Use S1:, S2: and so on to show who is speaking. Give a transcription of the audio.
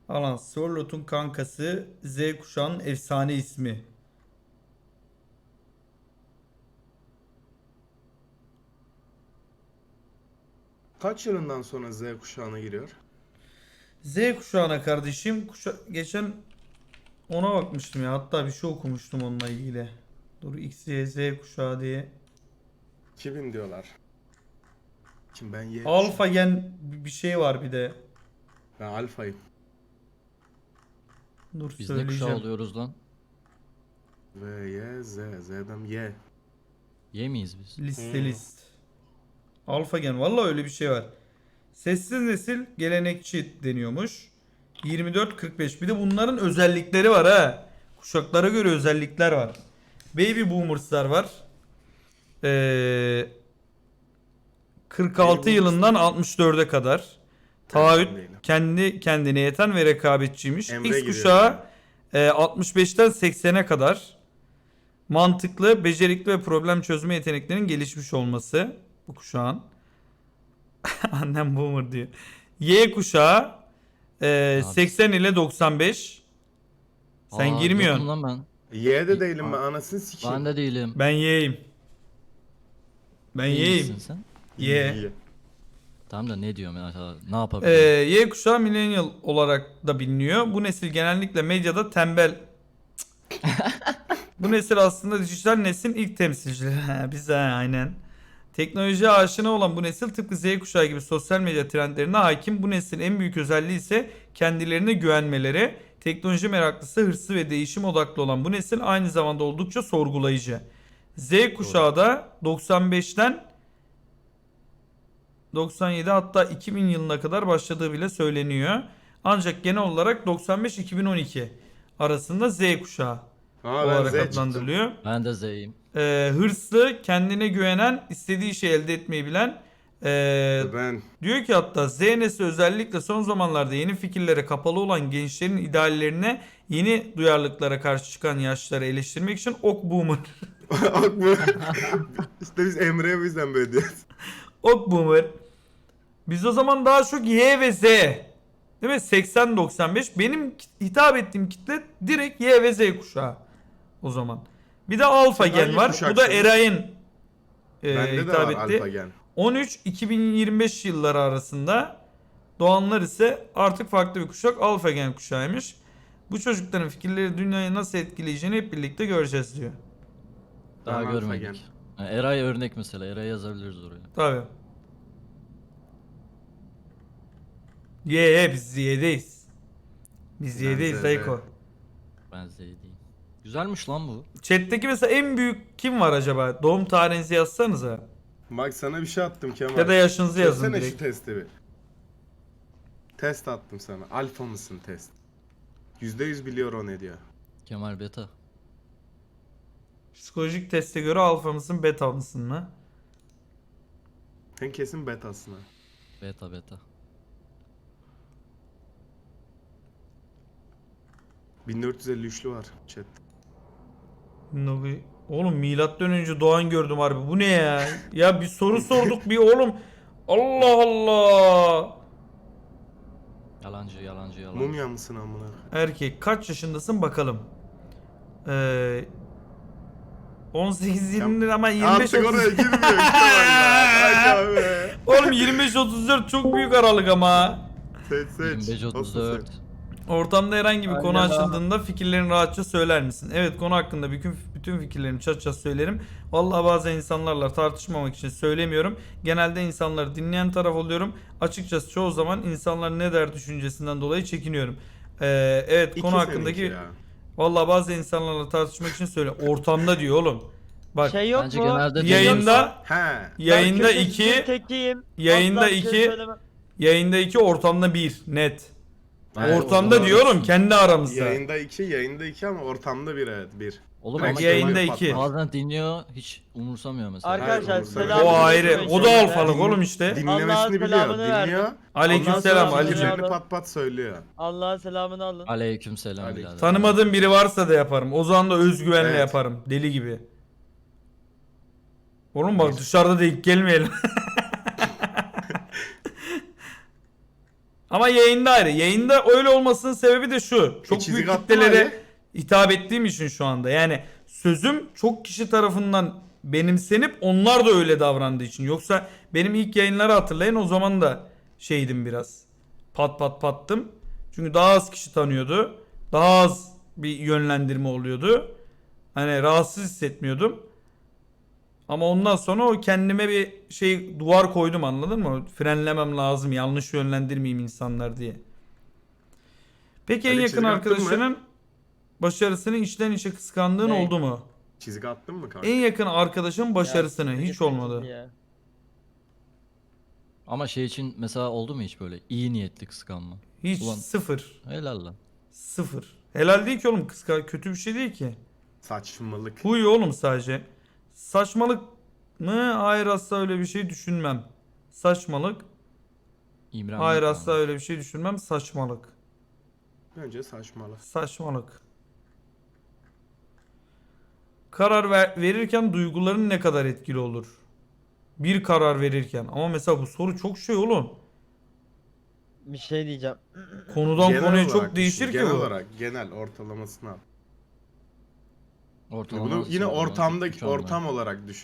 S1: Alan Sorlot'un kankası, Z kuşağının efsane ismi.
S2: Kaç yılından sonra Z kuşağına giriyor?
S1: Z kuşağına kardeşim geçen ona bakmıştım ya, hatta bir şey okumuştum onunla ilgili. Dur, X, Y, Z kuşağı diye.
S2: 2000 diyorlar. Kim ben Y
S1: Alfa
S2: kuşağı.
S1: gen bir şey var bir de.
S2: Ben alfayım.
S1: Dur
S3: Biz ne kuşağı
S1: söyleyeceğim.
S3: oluyoruz lan?
S2: V, Y, Z. Z'den Y.
S3: Y miyiz biz?
S1: List. Alfa gen, valla öyle bir şey var. Sessiz nesil gelenekçi deniyormuş. 24-45. Bir de bunların özellikleri var ha. Kuşaklara göre özellikler var. Baby boomers'lar var. 46
S2: Baby
S1: yılından 64'e kadar. Taahhüt,
S2: Ben değilim.
S1: kendi kendine yeten ve rekabetçiymiş.
S2: Emre
S1: X
S2: giriyor
S1: kuşağı 65'ten 80'e kadar. Mantıklı, becerikli ve problem çözme yeteneklerinin gelişmiş olması bu kuşağın. Annem boomer diyor. Y kuşağı 80 ile 95. Sen girmiyorsun.
S3: Yokum lan ben.
S2: Y de değilim ben anasını sikeyim.
S3: Ben de değilim.
S1: Ben Y'yim. Ben
S3: Neymişsin
S1: Y'yim.
S3: sen?
S1: Y.
S3: Tamam da ne diyorum ya? Ne yapabilirim?
S1: Y kuşağı millennial olarak da biliniyor. Bu nesil genellikle medyada tembel. Bu nesil aslında dijital neslin ilk temsilcileri. Biz aynen. Teknolojiye aşina olan bu nesil tıpkı Z kuşağı gibi sosyal medya trendlerine hakim. Bu neslin en büyük özelliği ise kendilerine güvenmeleri. Teknoloji meraklısı, hırslı ve değişim odaklı olan bu nesil aynı zamanda oldukça sorgulayıcı. Z kuşağı da 95'ten 97 hatta 2000 yılına kadar başladığı bile söyleniyor. Ancak genel olarak 95-2012 arasında Z kuşağı
S2: Aa ben
S1: olarak
S2: Z çıktım.
S1: adlandırılıyor.
S3: Ben de Z'yim.
S1: Hırslı, kendine güvenen, istediği şeyi elde etmeyi bilen.
S2: Ben
S1: Diyor ki hatta Z nesli özellikle son zamanlarda yeni fikirlere kapalı olan gençlerin ideallerine, yeni duyarlılıklara karşı çıkan yaşları eleştirmek için ok boomer.
S2: işte biz Emre'ye bu yüzden böyle diyoruz.
S1: Ok boomer. Biz o zaman daha çok Y ve Z. Değil mi? 80-95. Benim hitap ettiğim kitle direkt Y ve Z kuşağı. O zaman. Bir de alfa
S2: Sen
S1: gen
S2: hangi
S1: var. Bu
S2: kuşaksın?
S1: da Eray'ın
S2: Bende de
S1: hitap
S2: var
S1: etti.
S2: alfa gen.
S1: 13-2025 yılları arasında doğanlar ise artık farklı bir kuşak, alfa gen kuşağıymış. Bu çocukların fikirleri dünyayı nasıl etkileyeceğini hep birlikte göreceğiz diyor.
S3: Daha
S2: Ben alfa
S3: görmedik.
S2: gen.
S3: Ha, Eray örnek mesela. Eray yazabiliriz oraya.
S1: Tabii. Biz Y'deyiz. Biz
S2: Ben
S1: Y'deyiz
S2: Z'de.
S1: Dayko.
S3: Ben Z değilim. Güzelmiş lan bu.
S1: Chat'teki mesela en büyük kim var acaba? Doğum tarihinizi yazsanıza.
S2: Bak sana bir şey attım Kemal.
S1: Ya da yaşınızı yazın
S2: Çözsene şu
S1: direkt.
S2: testi bir. Test attım sana. Alfa mısın test? %100 biliyor o ne diyor.
S3: Kemal Beta.
S1: Psikolojik teste göre alfa mısın, beta mısın mı?
S2: Sen kesin betasın ha.
S3: Beta beta.
S2: 1453'lü var chat.
S1: Oğlum milattan önce doğan gördüm harbi. Bu ne ya? Ya bir soru sorduk bir oğlum. Allah Allah.
S3: Yalancı yalancı yalancı.
S2: Mumya mısın amına?
S1: Erkek kaç yaşındasın bakalım. 18-20 ama 25
S2: Artık oraya
S1: 30.
S2: girmiyor Kemal ya. Ay abi.
S1: Oğlum 25-34 çok büyük aralık ama.
S2: Seç seç.
S3: 25 34.
S1: Ortamda herhangi bir konu
S4: Aynen abi.
S1: açıldığında fikirlerini rahatça söyler misin? Evet, konu hakkında bütün fikirlerimi çatça söylerim. Vallahi bazen insanlarla tartışmamak için söylemiyorum. Genelde insanları dinleyen taraf oluyorum. Açıkçası çoğu zaman insanlar ne der düşüncesinden dolayı çekiniyorum. Evet,
S2: İki
S1: konu
S2: seninki
S1: hakkındaki
S2: ya.
S1: vallahi bazı insanlarla tartışmak için söyle. Ortamda diyor oğlum. Bak
S4: Şey yok
S3: Bence
S4: mu?
S3: genelde
S1: yayında
S2: He.
S1: yayında
S4: Ben kötü
S1: 2
S4: tekiyim.
S1: yayında
S4: Asla bir şey
S1: 2
S4: söylemem.
S1: yayında 2 ortamda 1 net.
S3: Evet,
S1: Ortamda
S3: orada
S1: diyorum
S3: olsun.
S1: kendi aramızda.
S2: Yayında 2 ama ortamda bir evet bir.
S3: Oğlum
S2: Belki
S3: ama
S1: yayında
S3: Kemal
S1: iki.
S3: bazen dinliyor hiç umursamıyor mesela.
S4: Arkadaşlar
S2: Hayır,
S4: selam.
S1: O ayrı. O da alfalık oğlum işte.
S4: Allah'ın
S2: Dinlemesini biliyor.
S4: selamını verdim.
S2: Dinliyor.
S1: Aleykümselam
S4: Allah'ın
S1: Ali'cim.
S4: selamını
S2: Fikirlerini pat pat söylüyor.
S4: Allah'ın selamını alın.
S3: Aleykümselam
S2: Aleyküm.
S3: birader.
S1: Tanımadığım biri varsa da yaparım. O zaman da özgüvenle
S2: Evet.
S1: yaparım. Deli gibi. Oğlum bak dışarıda denk gelmeyelim. Ama yayında ayrı. Yayında öyle olmasının sebebi de şu. Çok
S2: çizik
S1: büyük
S2: attın
S1: kitlelere
S2: Ali.
S1: hitap ettiğim için şu anda. Yani sözüm çok kişi tarafından benimsenip onlar da öyle davrandığı için. Yoksa benim ilk yayınları hatırlayın, o zaman da şeydim biraz. Pat pat pattım. Çünkü daha az kişi tanıyordu. Daha az bir yönlendirme oluyordu. Hani rahatsız hissetmiyordum. Ama ondan sonra o kendime bir şey duvar koydum, anladın mı? Frenlemem lazım, yanlış yönlendirmeyeyim insanlar diye. Peki en
S2: Ali,
S1: yakın
S2: çizgi attın mı?
S1: arkadaşının başarısını içten içe kıskandığın
S4: Ne?
S1: oldu mu?
S2: Çizgi attın mı kanka?
S1: En yakın arkadaşın başarısını
S4: Ya,
S1: hiç
S4: gıcık
S1: olmadı.
S4: gıcık ya.
S3: Ama şey için mesela oldu mu hiç böyle iyi niyetli kıskanma?
S1: Hiç,
S3: Ulan-
S1: sıfır.
S3: Helal lan.
S1: Sıfır. Helal değil ki oğlum, kötü bir şey değil ki.
S2: Saçmalık.
S1: Huy oğlum sadece. Saçmalık mı? Hayır, asla öyle bir şey düşünmem. Saçmalık.
S3: İmrenmek
S1: Hayır,
S3: var.
S1: asla öyle bir şey düşünmem. Saçmalık.
S2: Bence saçmalık.
S1: Saçmalık. Karar verirken duyguların ne kadar etkili olur? Bir karar verirken. Ama mesela bu soru çok şey oğlum.
S4: Bir şey diyeceğim.
S1: Konudan
S2: Genel
S1: konuya
S2: olarak
S1: çok
S2: düşün,
S1: değişir ki
S2: genel
S1: bu.
S2: olarak genel ortalamasını al.
S3: Ortalama
S2: Bunu yine
S3: sıralama,
S2: ortamdaki
S3: üç anlar.
S2: ortam olarak düşün.